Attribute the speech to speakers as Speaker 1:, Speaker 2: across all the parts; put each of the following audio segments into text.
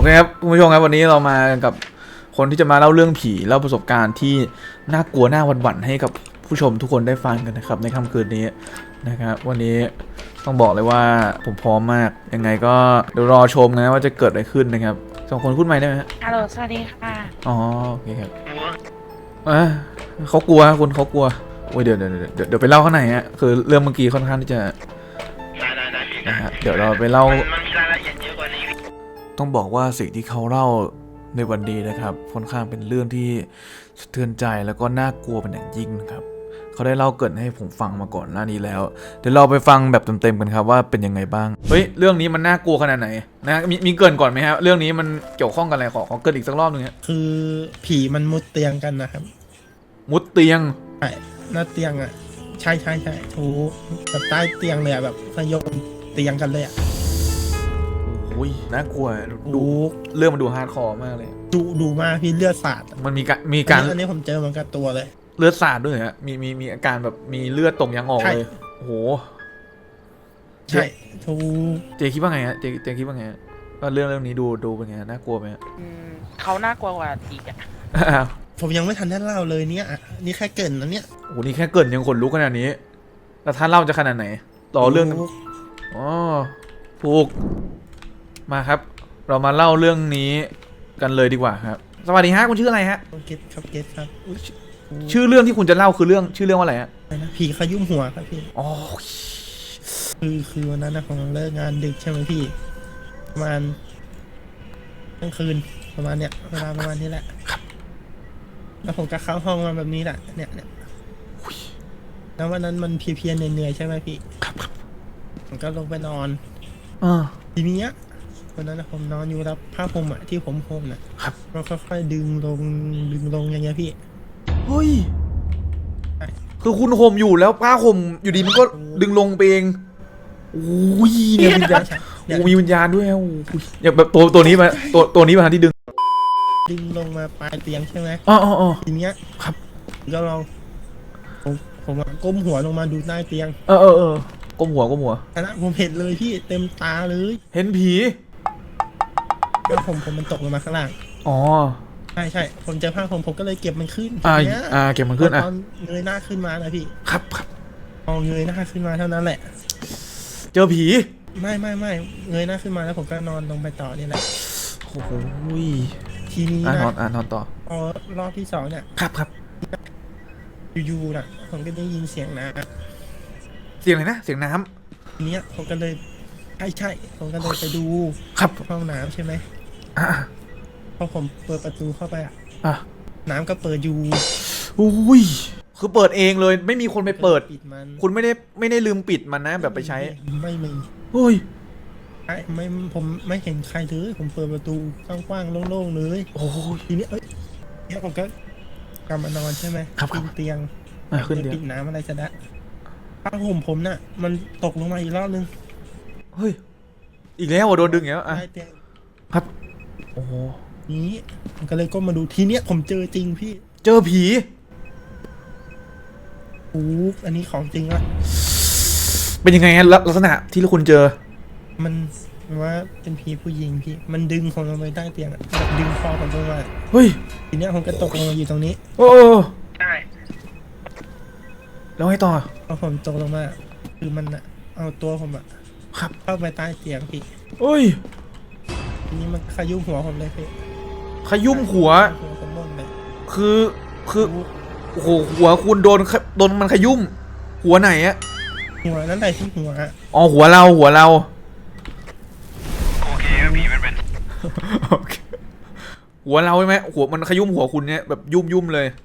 Speaker 1: เคครับคุณผู้ชมครับวันนี้เรามากับคนที่จะมาเล่าเรื่องผีเล่าประสบการณ์ที่น่ากลัวน่าหวั่นๆให้กับผู้ชมทุกคนได้ฟังกันนะครับในค่ำคืนนี้นะครับวันนี้ต้องบอกเลยว่าผมพร้อมมากยังไงก็เดี๋ยวรอชมนะว่าจะเกิดอะไรขึ้นนะครับสองคนพูดใหม่ได้ไหมฮะ
Speaker 2: ฮัลโหลสวัสดีค่ะ
Speaker 1: อ๋อโอเคครับเขากลัวคุณเขากลัวโอ้ยเดี๋ยวไปเล่าข้างในฮะคือเรื่องเมื่อกี้ค่อนข้างที่จะ
Speaker 3: ได้พี่
Speaker 1: นะฮะเดี๋ยวเราไปเล่า
Speaker 3: มันมีรายละเอียดเยอะกว่านี้
Speaker 1: ต้องบอกว่าสิ่งที่เขาเล่าในวันนี้นะครับค่อนข้างเป็นเรื่องที่สะเทือนใจแล้วก็น่ากลัวเป็นอย่างยิ่งนะครับเขาได้เล่าเกริ่นให้ผมฟังมาก่อนหน้านี้แล้วเดี๋ยวเราไปฟังแบบเต็มๆกันครับว่าเป็นยังไงบ้างเฮ้ยเรื่องนี้มันน่ากลัวขนาดไหนนะมีเกริ่นก่อนไหมครับเรื่องนี้มันเกี่ยวข้องกันอะไรขอเกริ่นอีกสักรอบนึงฮะ
Speaker 4: คือผีมันมุดเตียงกันนะครับ
Speaker 1: มุดเตียง
Speaker 4: ใช่หน้าเตียงอ่ะใช่ถูแบบใต้เตียงเลยอ่ะแบบขยมเตียงกันเลยอ่ะ
Speaker 1: โอ้ยน่ากลัวดู
Speaker 4: ดู
Speaker 1: เรื่องมันดูฮาร์ดคอร์มากเลย
Speaker 4: ดูมากพี่เลือดสาด
Speaker 1: มันมีการ
Speaker 4: อันนี้ผมเจอมันกับตัวเลย
Speaker 1: เลือดสาดด้วยฮะมีอาการแบบมีเลือดตกยังออกเลยโอ้โห
Speaker 4: ใช่ถู
Speaker 1: เจคิดว่าไงฮะเจคิดว่าไงว่าเรื่องนี้ดูเป็นไงน่ากลัวไหมฮะ
Speaker 2: เขาน่ากลัวกว่าอีกอ่ะ
Speaker 4: ผมยังไม่ทันได้เล่าเลยเนี่ยนี่แค่เกรินนะเนี่ย
Speaker 1: โอ้โหนี่แค่เกินยังขนลุกขนาดนี้แล้วท่านเล่าจะขนาดไหนต่อเรื่องอ๋อถูกมาครับ เรามาเล่าเรื่องนี้กันเลยดีกว่าครับสวัสดีฮะคุณชื่ออะไรฮะ
Speaker 4: เกตครับ
Speaker 1: ชื่อเรื่องที่คุณจะเล่าคือชื่อเรื่องว่าอะไรฮะ
Speaker 4: ผีขยุ่มหัวครับพี่
Speaker 1: อ๋อ
Speaker 4: คือวันนั้นนะผมเลิกงานดึกใช่ไหมพี่ประมาณกลางคืนประมาณเนี้ยเวลาประมาณนี้แหละแล้วผมก็เข้าห้องมาแบบนี้แหละเนี่ยแล้ววันนั้นมันเพียๆเหนื่อยๆใช่ไหมพี่ผมก็ลงไปนอนทีนี้วันนั้นผมนอนอยู่รับผ้าห่มอะที่ผมห่มน่ะมันค่อยๆดึงลงอย่างเงี้ยพี่
Speaker 1: เฮ้ยคือคุณห่มอยู่แล้วผ้าห่มอยู่ดีมันก็ดึงลงไปเองโอ้ยเนี่ยวิญญาณมีวิญญาณด้วยโอ้ยอย่างแบบตัวนี้มาตัวนี้มาที่ดึง
Speaker 4: ลงมาปลายเตียงใช่ไหม
Speaker 1: อ๋อ
Speaker 4: ทีเนี้ย
Speaker 1: ครับ
Speaker 4: ก็ลองผมก้มหัวลงมาดูใต้เตียง
Speaker 1: ก้มหัว
Speaker 4: อันนั้นผมเห็นเลยพี่เต็มตาเลย
Speaker 1: เห็นผี
Speaker 4: ผ้าผมมันตกลงมาข้างล่าง
Speaker 1: อ๋อ
Speaker 4: ใช่ผมเจอผ้าผมก็เลยเก็บมันขึ้น
Speaker 1: เก็บมันขึ้น
Speaker 4: ตอนเงยหน้าขึ้นมานะพี่
Speaker 1: ครับ
Speaker 4: พอเงยหน้าขึ้นมาเท่านั้นแหละ
Speaker 1: เจอผี
Speaker 4: ไม่เงยหน้าขึ้นมาแล้วผมก็นอนลงไปต่อนี่แหละ
Speaker 1: โอ้โห
Speaker 4: ทีนี้นะ
Speaker 1: นอนต่อ
Speaker 4: พอรอบที่2เนี่ย
Speaker 1: ครับ
Speaker 4: อยู่ๆนะผมก็ได้ยินเสียงน้
Speaker 1: ำเสียงอะไรนะเสียงน้
Speaker 4: ำทีนี้ผมก็เลยใช่ผมก็เลยไปดูห้องน้ำใช่ไหมพอผมเปิดประตูเข้าไปน้ำก็เปิดอยู่
Speaker 1: อุ้ยคือเปิดเองเลยไม่มีคนไปเปิดคุณไม่ได้ลืมปิดมันนะแบบไปใช้
Speaker 4: ไม่มี
Speaker 1: เฮ้ย
Speaker 4: ผมไม่เห็นใครเลยผมเปิดประตูกว้างๆโล่งๆเลย
Speaker 1: โอ้ย
Speaker 4: ทีนี้เนี่ยผมก็กลับมานอนใช่ไหมขึ้นเตียง
Speaker 1: ขึ้นเตียง
Speaker 4: ปิดน้ำอะไรจะได้ผ้าห่มผมน่ะมันตกลงมาอีกรอบนึง
Speaker 1: เฮ้ยอีกแล้วโดนดึงแล้วครับโอ้โห
Speaker 4: นี้ผมก็เลยก้มมาดูทีเนี้ยผมเจอจริงพี่
Speaker 1: เจอผี
Speaker 4: อันนี้ของจริงอะ
Speaker 1: เป็นยังไงฮะลักษณะที่คุณเจอ
Speaker 4: มันว่าเป็นผีผู้หญิงพี่มันดึงผมลงไปใต้เตียงแบบดึงคอผมลงมา
Speaker 1: เฮ้ย
Speaker 4: ทีเนี้ยผมก็ตกลงมาอยู่ตรงนี้
Speaker 2: ใช่
Speaker 1: แล้วให้ต่อ
Speaker 4: พอผมตกลงมาคือมันอะเอาตัวผมอะ
Speaker 1: ครับ
Speaker 4: เข้าไปใต้เตียงพี่
Speaker 1: เฮ้ย
Speaker 4: ทีนี้มันขยุ่มหัวผมเลยพี่
Speaker 1: ขยุ่มหัว
Speaker 4: ผมหมดเลย
Speaker 1: คือโอ้โหหัวคุณโดนมันขยุ่มหัวไหนอะ
Speaker 4: หัวนั่นแหละที่หัว
Speaker 1: อ๋อหัวเรา
Speaker 3: โอเคผีมันเป็น
Speaker 1: หัวเราใช่ไหมหัวมันขยุ่มหัวคุณเนี่ยแบบยุ่มเลย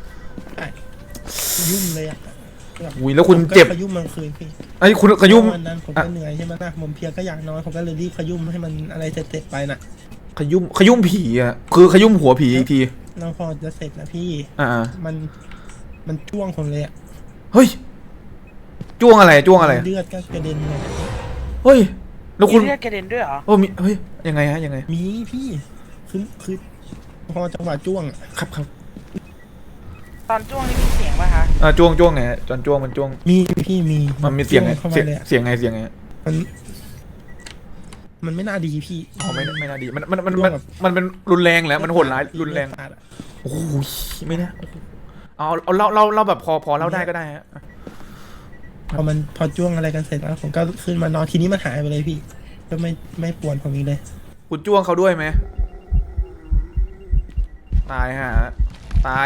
Speaker 4: ยุ่มเลยอ่ะ
Speaker 1: อุ้ยแล้วคุณเจ็บ
Speaker 4: ขยุ่มมันคืนพี่
Speaker 1: ไอ้คุณขยุ่ม
Speaker 4: วันนั้นผมก็เหนื่อยใช่ไหมนะผมเพียก็อยากนอนผมก็เลยรีบขยุ่มให้มันอะไรเสร็จไปน่ะ
Speaker 1: ขยุ่มผีอ่ะคือขยุ่มหัวผีอีกที
Speaker 4: เราพอจะเสร็จแล้วพี่มันจ้วงผมเลยอ่ะ
Speaker 1: เฮ้ยจ้วงอะไร
Speaker 4: เลือดก็กระเด็นเลย
Speaker 1: เฮ้ยแล้วคุณ
Speaker 2: เลือดกระเด็นด้วยเหรอ
Speaker 1: มีเฮ้ยยังไงฮะยังไง
Speaker 4: มีพี่คือพอจังหวะจ้วง
Speaker 1: ครับ
Speaker 2: ตอนจ้วงนี่มีเสียงป่ะคะ
Speaker 1: จ้วงไงตอนจ้วงมันจ้วง
Speaker 4: มีพี่
Speaker 1: มันมีเสียงไงเสียงไง
Speaker 4: มันมันไม่น่าดีพี่
Speaker 1: อ๋อไม่น่าดีมัน
Speaker 4: จ้วงแบบ
Speaker 1: มันเป็นรุนแรงแล้วมันโหดร้ายรุนแรง
Speaker 4: ขาดอะ
Speaker 1: โอ้โหไม่นะเอาเราแบบพอเล่าได้ก็ได้ฮะ
Speaker 4: พอจ้วงอะไรกันเสร็จแล้วผมก็ขึ้นมานอนทีนี้มันหายไปเลยพี่ ก็ไม่ปวนผมอีกเลย
Speaker 1: คุณจ้วงเขาด้วยไหมตายฮะตาย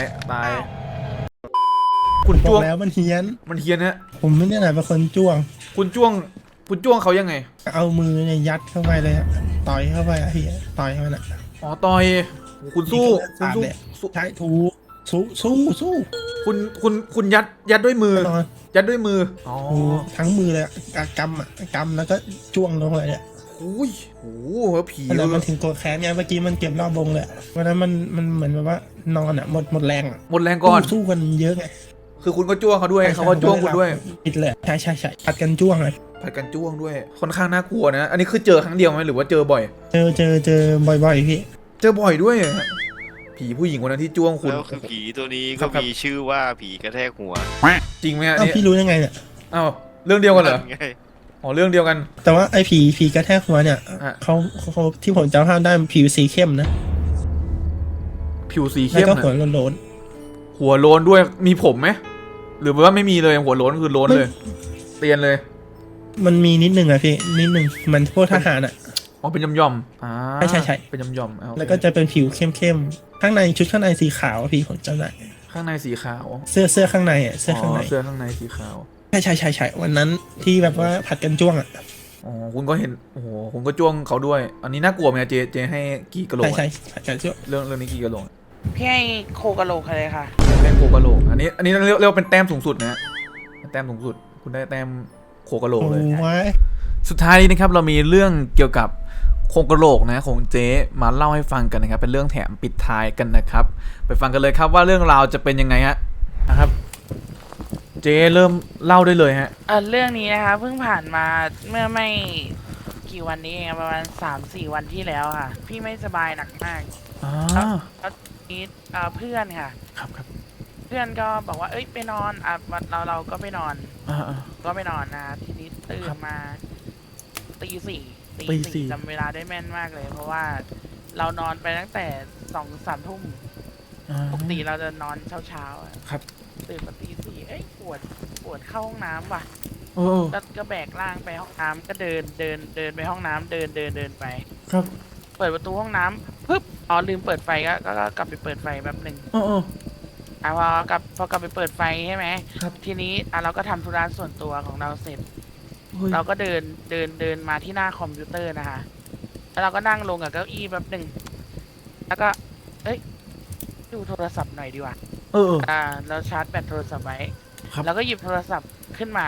Speaker 1: คุณ
Speaker 4: บอ
Speaker 1: จ้ว
Speaker 4: ก
Speaker 1: ง
Speaker 4: แล้วมันเฮี้ยน
Speaker 1: มันเฮี้ยนฮะ
Speaker 4: ผมไม่ได้ไหนเป็นคนจ้วง
Speaker 1: คุณจ้วงเขายังไง
Speaker 4: เอามือเนี่ยยัดเข้าไปเลยอะต่อยเข้าไปอะพี่ต่อยมันอะ
Speaker 1: อ๋อต่อยคุณสู้
Speaker 4: สาดเลยใช่ถูสู้
Speaker 1: คุณยัดด้วยมือ
Speaker 4: แน่นอน
Speaker 1: ยัดด้วยมืออ๋อ
Speaker 4: โอ้ทั้งมือเลยอะกำแล้วก็จ้วงลงเลยเนี่ย
Speaker 1: โอ้ยโอ้โหผี
Speaker 4: แล้วมันถึงโกรธแค้นเนี่ยเมื่อกี้มันเก็บรอบวงเลยวันนั้นมันเหมือนแบบว่านอนอะหมดแรงอะ
Speaker 1: หมดแรงก่อน
Speaker 4: สู้กันเยอะไง
Speaker 1: คือคุณก็จ้วงเขาด้วยเขาก็จ้วงคุณด้วย
Speaker 4: ปิดเลยใช่ผัดกันจ้วงเลย
Speaker 1: ผัดกันจ้วงด้วยค่อนข้างน่ากลัวนะ อันนี้คือเจอครั้งเดียวไหมหรือว่าเจอบ่อย
Speaker 4: เจอบ่อยๆพี่
Speaker 1: เจอบ่อยด้วยฮะผีผู้หญิงคนนั้นที่จ้วงคุณ
Speaker 3: แล้วคือผีตัวนี้
Speaker 1: ครั
Speaker 3: ก็
Speaker 1: บครับ
Speaker 3: มีชื่อว่าผีกระแทกหัว
Speaker 1: จริงไหมฮะ
Speaker 4: อ้าว
Speaker 1: เนี่ย
Speaker 4: พี่รู้ยังไงเนี่ย
Speaker 1: อ้าวเรื่องเดียวกันเหรอ
Speaker 3: ไง
Speaker 1: อ๋อเรื่องเดียวกัน
Speaker 4: แต่ว่าไอ้ผีกระแทกหัวเนี่ย
Speaker 1: อ่ะ
Speaker 4: เขาที่ผมจำภาพได้มันผิวสีเข้มนะ
Speaker 1: ผิวสี
Speaker 4: แล้ว
Speaker 1: เข้ม
Speaker 4: ก็
Speaker 1: นะ
Speaker 4: หัวโลน
Speaker 1: หัวโล้นด้วยมีผมไหมหรือว่าไม่มีเลยหัวโล้นคือโล้นเลย เตียนเลย
Speaker 4: ๆมันมีนิดนึงอะพี่นิดนึงมันพวกทหารอะ
Speaker 1: อ๋อเป็นย่อมๆอ่า
Speaker 4: ใช่
Speaker 1: เป็นย่อมๆเอาโอเค
Speaker 4: แล้วก็จะเป็นผิวเข้มๆข้างในชุดข้างในสีขาวอะพี่ผมจำได้
Speaker 1: ข้างในสีขาว
Speaker 4: เสื้อข้างในอะเสื้อข้างใน
Speaker 1: เสื้อข้างในสีขาว
Speaker 4: ใช่วันนั้นที่แบบว่าผัดกันจ้วงอะ
Speaker 1: อ๋อคุณก็เห็นโอ้โหคุณก็จ้วงเขาด้วย อันนี้น่ากลัวไหมเจให้กี่กะโหลก
Speaker 4: ใช่
Speaker 1: อะ
Speaker 4: ผัดกันจ้วง
Speaker 1: เรื่องนี้กี่กะโหลก
Speaker 2: พี่ให้โคกะโหลกเลยค่ะ
Speaker 1: แต้มโคกะโหลกอันนี้เรียกว่าเป็นแต้มสูงสุดนะฮะแต้มสูงสุด คุณได้แต้มโคกะโหลกเลย
Speaker 4: โอ้ย
Speaker 1: สุดท้ายนี้นะครับเรามีเรื่องเกี่ยวกับโคกะโหลกนะของเจ๊มาเล่าให้ฟังกันนะครับเป็นเรื่องแถมปิดท้ายกันนะครับไปฟังกันเลยครับว่าเรื่องราวจะเป็นยังไงฮะนะครับเจ๊เริ่มเล่าได้เลยฮะ
Speaker 2: เรื่องนี้นะคะเพิ่งผ่านมาเมื่อไม่กี่วันนี้เองประมาณ3-4 วันที่แล้วค่ะ พี่ไม่สบายหนักมาก
Speaker 1: อ่า
Speaker 2: แล้วนี้เพื่อนค่ะ
Speaker 1: ครับ
Speaker 2: เพื่อนก็บอกว่าเอ้ยไปนอนเราก็ไปนอน
Speaker 1: อ่า
Speaker 2: ก็ไปนอนนะทีนี้ตื่นมาตีสี่
Speaker 1: ตีสี่
Speaker 2: จำเวลาได้แม่นมากเลย เพราะว่าเรานอนไปตั้งแต่2-3 ทุ่ม ปกติเราจะนอนเช้าๆอะ
Speaker 1: ครับ
Speaker 2: ตื่นมาตีสี่เอ้ยปวดเข้าห้องน้ำว่ะ
Speaker 1: โอ้
Speaker 2: ก็แบกร่างไปห้องน้ำก็เดินไปห้องน้ำเดินไป
Speaker 1: ครับ
Speaker 2: เปิดประตูห้องน้ำปึ๊บอ๋อลืมเปิดไฟก็กลับไปเปิดไฟแบบหนึ่ง
Speaker 1: โอ้
Speaker 2: พอกลับไปเปิดไฟใช่ไหม
Speaker 1: ครับ
Speaker 2: ทีนี้เราก็ทำธุระส่วนตัวของเราเสร็จ เราก็เดินมาที่หน้าคอมพิวเตอร์นะคะ แล้วเราก็นั่งลงกับเก้าอี้แบบหนึ่งแล้วก็เอ้ยดูโทรศัพท์หน่อยดีกว่า เราชาร์จแบตโทรศัพท์ไว้
Speaker 1: ครับ
Speaker 2: แล้วก็หยิบโทรศัพท์ขึ้นมา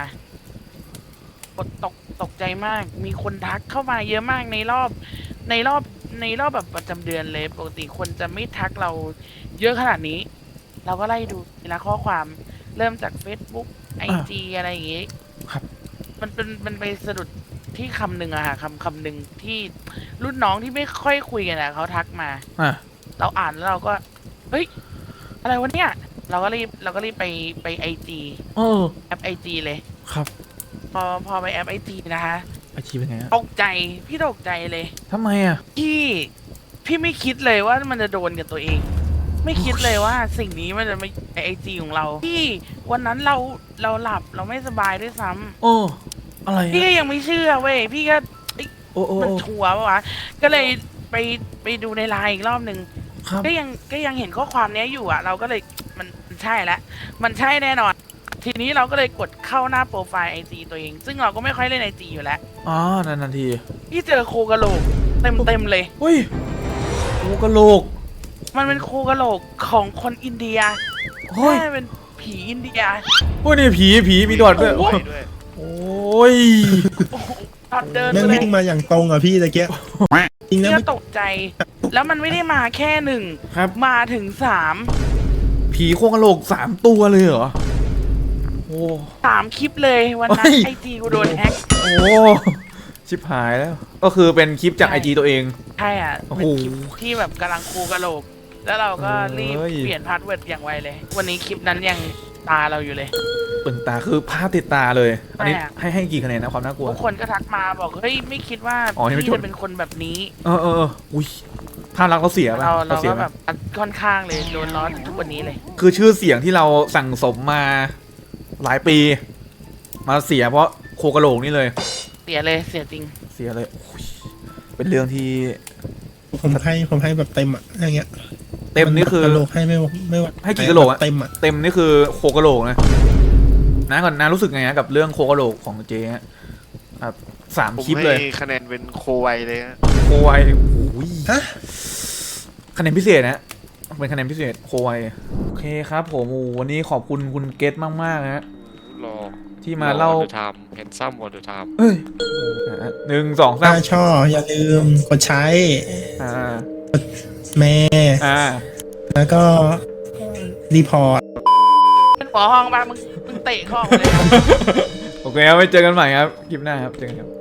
Speaker 2: ตกใจมาก มีคนทักเข้ามาเยอะมากในรอบแบบประจำเดือนเลย ปกติคนจะไม่ทักเราเยอะขนาดนี้ เราก็ไล่ดูทีละข้อความ เริ่มจาก Facebook IG อะไรอย่างงี้
Speaker 1: ครับ
Speaker 2: มันไปสะดุดที่คำหนึ่งอะค่ะคำหนึ่งที่รุ่นน้องที่ไม่ค่อยคุยกันอะเขาทักมา เราอ่านแล้วเราก็ เฮ้ย อะไรวะเนี่ย เราก็รีบไปIG แอป IG เลย
Speaker 1: ครับ
Speaker 2: พอไปแอป IG นะคะ
Speaker 1: ไอชีเป็นไงฮะ
Speaker 2: ตกใจเลย
Speaker 1: ทำไมอ่ะ
Speaker 2: พี่ไม่คิดเลยว่ามันจะโดนกับตัวเอง ไม่คิดเลยว่าสิ่งนี้มันจะมาในIG ของเราพี่วันนั้นเราหลับเราไม่สบายด้วยซ้ำ
Speaker 1: โอ้อะไร
Speaker 2: พี่ก็ยังไม่เชื่อเว้ยพี่ก็
Speaker 1: โอ้
Speaker 2: มันชัวร์ปะวะก็เลยไปดูในไลน์อีกรอบหนึ่ง
Speaker 1: ครับ
Speaker 2: ก็ยังเห็นข้อความนี้อยู่อ่ะ เราก็เลยมันใช่แล้วมันใช่แน่นอน ทีนี้เราก็เลยกดเข้าหน้าโปรไฟล์ IG ตัวเอง ซึ่งเราก็ไม่ค่อยเล่น IG อยู่แล้ว
Speaker 1: นานที
Speaker 2: พี่เจอโคกะโหลกเต็มเลย
Speaker 1: เฮ้ยโคกะโหลก
Speaker 2: มันเป็นโคกะโหลกของคนอินเดีย
Speaker 1: เฮ้ย
Speaker 2: แม่เป็นผีอินเดีย
Speaker 1: โอ้ยนี่ผีมีดอดด้วย
Speaker 2: โอ้ย
Speaker 3: ด้วย
Speaker 1: โอ้ย
Speaker 2: ตอนเดิน
Speaker 4: แม่ง
Speaker 2: เลย
Speaker 4: วิ่งมาอย่างตรงอ่ะพี่ตะเกียบจริงแล้ว
Speaker 2: ก็
Speaker 4: ไม่
Speaker 2: ตกใจ แล้วมันไม่ได้มาแค่หนึ่ง
Speaker 1: ครับ
Speaker 2: มาถึง3
Speaker 1: ผีโคกะโหลก3 ตัวเลยเหรอโอ้
Speaker 2: 3 คลิปเลยวันนั้น
Speaker 1: เฮ้ย
Speaker 2: IG กูโดนแฮ็ก
Speaker 1: โอ้ชิบหายแล้ว ก็คือเป็นคลิปจาก IG ตัวเอง
Speaker 2: ใช่อ่ะ
Speaker 1: โอ้โห
Speaker 2: เป็นคลิปที่แบบกำลังคูกะโหลก แล้วเราก็รีบ
Speaker 1: เอ้ย
Speaker 2: เปลี่ยนพาสเวิร์ดอย่างไวเลย วันนี้คลิปนั้นยังตาเราอยู่เลย
Speaker 1: ตึงตาคือภาพติดตาเลย อันนี้
Speaker 2: ใช่อะ
Speaker 1: ให้กี่คะแนนนะความน่ากลัว
Speaker 2: ทุกคนก็ทักมาบอกเฮ้ยไม่คิดว่า
Speaker 1: อ๋อยังไม่
Speaker 2: พี่
Speaker 1: จบ
Speaker 2: จะเป็นคนแบบนี้
Speaker 1: อุ้ยภาพลักษณ์เราเสียป่ะ
Speaker 2: เรา
Speaker 1: เสีย
Speaker 2: ก็
Speaker 1: ไหม
Speaker 2: แบบค่อนข้างเลยโดนล้อทุกวันนี้เลย
Speaker 1: คือชื่อเสียงที่เราสั่งสมมาหลายปี มาเสียเพราะโคกระโหลกนี่เลย
Speaker 2: เสียเลยเสียจริง
Speaker 1: เสียเลยโอ้ยเป็นเรื่องที่
Speaker 4: ผมให้แบบเต็มอะอย่างเงี้ย
Speaker 1: เต็มนี่คือ
Speaker 4: กระโหลกให้ไม่ไหว
Speaker 1: ให้กี่กะโหลกอะ
Speaker 4: เต็มอะ
Speaker 1: เต็มนี่คือโคกระโหลกนะนะก่อนนะรู้สึกไงฮะกับเรื่องโคกระโหลกของเจ๊ฮะครับสาม
Speaker 3: ผม
Speaker 1: คลิป
Speaker 3: ให้
Speaker 1: เลย
Speaker 3: คะแนนเป็นโคไวเลยฮะ
Speaker 1: โคไวโอ้ย
Speaker 4: ฮะ
Speaker 1: คะแนนพิเศษนะเป็นคะแนนพิเศษโคไวโอเคครับผมโอ้วันนี้ขอบคุณคุณเกตมากๆฮะ
Speaker 3: รอ
Speaker 1: ที่มาเล่า
Speaker 3: ไทม์แฮนซัมวอเตอร์ไทม์
Speaker 1: เอ้ยหนึ่งสองสา
Speaker 4: ถ้าม ชอบอย่าลืมกดใช้
Speaker 1: อ่า
Speaker 4: แม่ แล้วก็รีพอร์ต
Speaker 2: เป็นหัวห้องบ้างมึงเตะเข้าออกเลย
Speaker 1: โอเคครับไว้เจอกันใหม่ครับคลิปหน้าครับเจอกันครับ